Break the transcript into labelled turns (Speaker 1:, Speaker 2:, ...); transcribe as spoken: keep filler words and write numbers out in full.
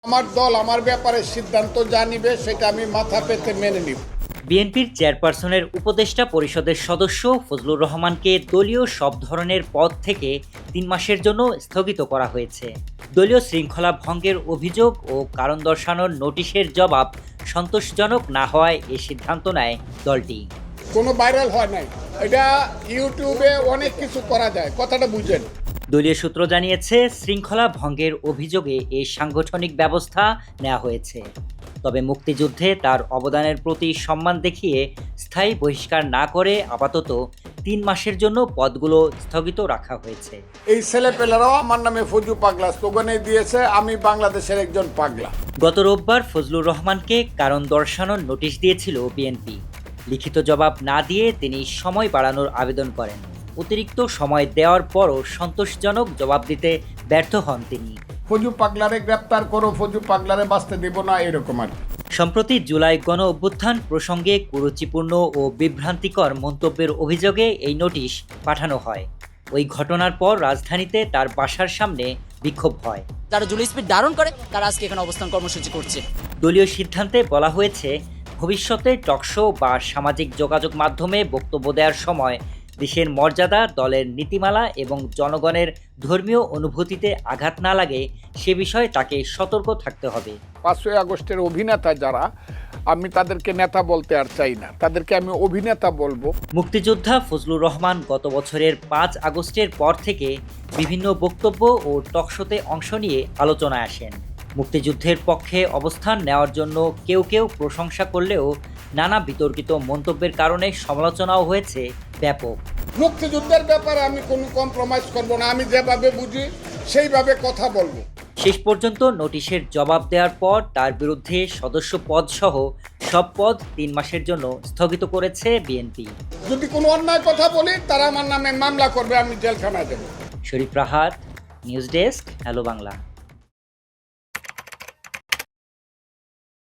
Speaker 1: আমার দল আমার ব্যাপারে সিদ্ধান্ত যা নিবে সেটা আমি মাথা পেতে মেনে নিব।
Speaker 2: বিএনপির চেয়ারপারসনের উপদেষ্টা পরিষদের সদস্য ফজলুর রহমানকে দলীয় সব ধরনের পদ থেকে তিন মাসের জন্য স্থগিত করা হয়েছে। দলীয় শৃঙ্খলা ভঙ্গের অভিযোগ ও কারণ দর্শানোর নোটিশের জবাব সন্তোষজনক না হওয়ায় এ সিদ্ধান্ত নেয় দলটি।
Speaker 1: কোনো ভাইরাল হয় নাই, এটা ইউটিউবে অনেক কিছু করা যায়, কথাটা বুঝেন।
Speaker 2: দলীয় সূত্র জানিয়েছে, শৃঙ্খলা ভঙ্গের অভিযোগে এই সাংগঠনিক ব্যবস্থা নেওয়া হয়েছে। তবে মুক্তিযুদ্ধে তার অবদানের প্রতি সম্মান দেখিয়ে স্থায়ী বহিষ্কার না করে আপাতত তিন মাসের জন্য পদগুলো স্থগিত রাখা হয়েছে।
Speaker 1: এই ছেলেপেলেরাও আমার নামে ফজু পাগলা স্লোগানে দিয়েছে, আমি বাংলাদেশের একজন পাগলা।
Speaker 2: গত রোববার ফজলুর রহমানকে কারণ দর্শানোর নোটিশ দিয়েছিল বিএনপি। লিখিত জবাব না দিয়ে তিনি সময় বাড়ানোর আবেদন করেন। অতিরিক্ত সময় দেওয়ার পরও সন্তোষজনক জবাব দিতে ব্যর্থ হন তিনি।
Speaker 1: ফজু পাগলারে গ্রেপ্তার করো, ফজু পাগলারে বাঁচতে দেব না, এরকম আর কি।
Speaker 2: সম্প্রতি জুলাই গণ অভ্যুত্থান প্রসঙ্গে কুরুচিপূর্ণ ও বিভ্রান্তিকর মন্তব্যের অভিযোগে এই নোটিশ পাঠানো হয়। ওই ঘটনার পর রাজধানীতে তার বাসার সামনে বিক্ষোভ হয়।
Speaker 3: যারা জুলাই স্পিড ধারণ করে তারা আজকে এখানে অবস্থান কর্মসূচি করছে।
Speaker 2: দলীয় সিদ্ধান্তে বলা হয়েছে, ভবিষ্যতে টকশো বা সামাজিক যোগাযোগ মাধ্যমে বক্তব্য দেওয়ার সময় দেশের মর্যাদা, দলের নীতিমালা এবং জনগণের ধর্মীয় অনুভূতিতে আঘাত না লাগে সে বিষয়ে তাকে সতর্ক থাকতে হবে।
Speaker 1: পাঁচই আগস্টের অভিনেতা যারা, আমি তাদেরকে নেতা বলতে আর চাই না, তাদেরকে আমি অভিনেতা বলবো।
Speaker 2: মুক্তিযোদ্ধা ফজলুর রহমান গত বছরের পাঁচ আগস্টের পর থেকে বিভিন্ন বক্তব্য ও টকশোতে অংশ নিয়ে আলোচনায় আসেন। মুক্তিযুদ্ধের পক্ষে অবস্থান নেওয়ার জন্য কেউ কেউ প্রশংসা করলেও নানা বিতর্কিত মন্তব্যের কারণে সমালোচনাও হয়েছে ব্যাপক।
Speaker 1: মুক্তিযুদ্ধের ব্যাপারে আমি কোনো কম্প্রোমাইজ করব না, আমি যেভাবে বুঝি সেইভাবে কথা বলবো।
Speaker 2: শেষ পর্যন্ত নোটিশের জবাব দেওয়ার পর তার বিরুদ্ধে সদস্য পদ সহ সব পদ তিন মাসের জন্য স্থগিত করেছে বিএনপি।
Speaker 1: যদি কোনো অন্যায় কথা বলি তারা আমার নামে মামলা করবে, আমি জেলখানায় দেবো।
Speaker 2: Sharif Rahat, news desk, hello Bangla.